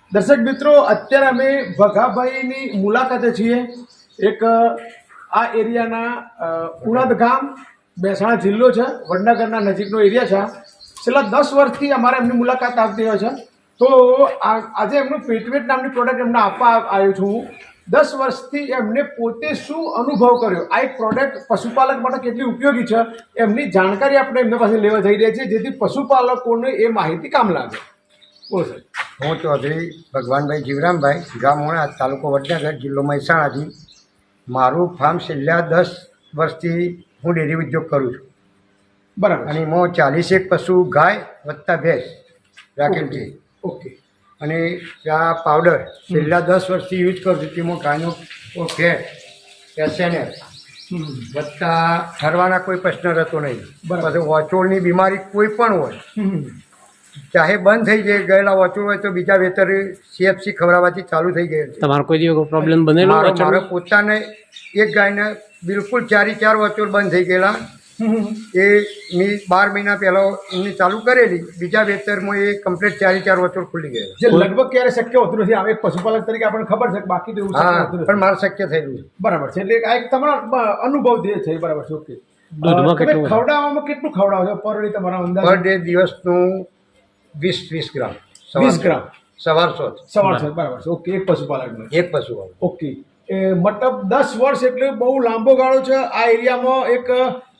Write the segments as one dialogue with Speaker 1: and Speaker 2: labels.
Speaker 1: દર્શક મિત્રો, અત્યારે અમે ભગાભાઈની મુલાકાતે છીએ. એક આ એરિયાના ઉણદ ગામ, મહેસાણા જિલ્લો છે, વડનગરના નજીકનો એરિયા છે. છેલ્લા 10 વર્ષથી અમારે એમની મુલાકાત આવતી હોય છે. તો આજે એમનું પેટવેટ નામની પ્રોડક્ટ એમને આપવા આવ્યો છું હું. 10 વર્ષથી એમને પોતે શું અનુભવ કર્યો, આ એક પ્રોડક્ટ પશુપાલક માટે કેટલી ઉપયોગી છે, એમની જાણકારી આપણે એમના પાસે લેવા જઈ રહ્યા છીએ, જેથી પશુપાલકોને એ માહિતી કામ લાગે. બોલો સાહેબ.
Speaker 2: હું ચૌધરી ભગવાનભાઈ જીવરામભાઈ, ગામ મોણા, તાલુકો વડનગર, જિલ્લો મહેસાણાથી. મારું ફાર્મ છેલ્લા 10 વર્ષથી હું ડેરી ઉદ્યોગ કરું છું.
Speaker 1: બરાબર.
Speaker 2: અને એમાં 41 પશુ ગાય વત્તા ભેંસ રાખેલ છે.
Speaker 1: ઓકે.
Speaker 2: અને આ પાવડર છેલ્લા 10 વર્ષથી યુઝ કરું છું. તેમાં ગાયનો ફેટ, એસએનએફ વત્તા ઠરવાના કોઈ પ્રશ્ન રહેતો નહીં. પછી વચોળની બીમારી કોઈ પણ હોય, ચાહે બંધ થઈ જાય, ગયેલા વચોળ હોય તો બીજા વેતર સીએફસી ખવડાવવાથી ચાલુ થઈ ગયેલ છે.
Speaker 3: તમારો કોઈ દિવસ પ્રોબ્લેમ બનેલો?
Speaker 2: મારો પોતાને એક ગાયને બિલકુલ 4 વચોળ બંધ થઈ ગયેલા. એ મેં 12 મહિના પહેલાં એમની ચાલુ કરેલી, બીજા વેતરમાં એ કમ્પ્લીટ 4 વચોળ ખુલી ગયેલા.
Speaker 1: જે લગભગ ક્યારે શક્ય હોતું નથી. આ એક પશુપાલક તરીકે આપણને ખબર છે, બાકી તો એવું શક્ય
Speaker 2: હા,
Speaker 1: હોતું નથી.
Speaker 2: પણ મારે શક્ય થયેલું.
Speaker 1: બરાબર છે. એટલે આ એક તમારો અનુભવ જે છે. બરાબર છે. ઓકે.
Speaker 3: દૂધમાં
Speaker 1: તમે
Speaker 3: કેટલું?
Speaker 1: ખવડાવવામાં કેટલું ખવડાવો છો પર ડે તમારા અંદાજ?
Speaker 2: પર ડે દિવસનું 20 ગ્રામ.
Speaker 1: 20 ગ્રામ
Speaker 2: સવારસો
Speaker 1: સવાર છે. બરાબર છે. ઓકે. એક પશુપાલકનો.
Speaker 2: એક પશુ વાળું.
Speaker 1: ઓકે. મતલબ 10 વર્ષ એટલે બહુ લાંબો ગાળો છે. આ એરિયામાં એક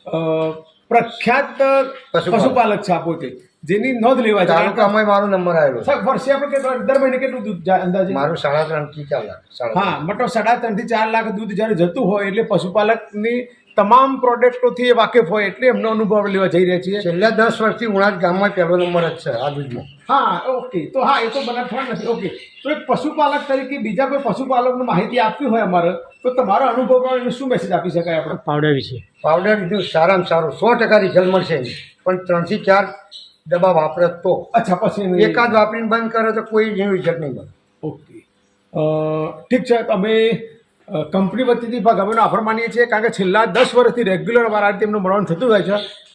Speaker 1: પ્રખ્યાત પશુપાલક છે આ પોતે, જેની નોંધ લેવા જાય.
Speaker 2: તાલુકામાં મારો નંબર આવેલો.
Speaker 1: સાહેબ, વર્ષે આપણે દર મહિને કેટલું દૂધ જાય અંદાજે?
Speaker 2: મારું 3.5 થી 4 લાખ.
Speaker 1: હા, મતલબ 3.5 થી 4 લાખ દૂધ જ્યારે જતું હોય એટલે પશુપાલકની તમામ પ્રોડક્ટોથી એ વાકેફ હોય, એટલે એમનો અનુભવ લેવા જઈ રહ્યા છીએ.
Speaker 2: છેલ્લા 10 વર્ષથી ઉણાદ ગામમાં પહેલો નંબર જ છે આ દૂધમાં.
Speaker 1: હા, ઓકે. તો હા, એ તો બનાવવા નથી. ઓકે. તો એક પશુપાલક તરીકે બીજા કોઈ પશુપાલકને માહિતી આપવી હોય અમારે, તો તમારો અનુભવ શું મેસેજ આપી શકાય આપણે?
Speaker 3: પાવડર વિશે.
Speaker 2: પાવડર લીધું સારામાં સારું 100% રિઝલ્ટ મળશે. પણ 3 થી 4 ડબ્બા વાપરે તો.
Speaker 1: અચ્છા, પછી
Speaker 2: એકાદ વાપરીને બંધ કરે તો કોઈ રિઝલ્ટ નહીં મળે.
Speaker 1: ઓકે. ઠીક છે. અમે કંપની વતીથી ભગાભાઈનો આભાર માનીએ છીએ, કારણ કે છેલ્લા 10 વર્ષથી રેગ્યુલર અમારા તેમનું મળવાનું થતું હોય છે.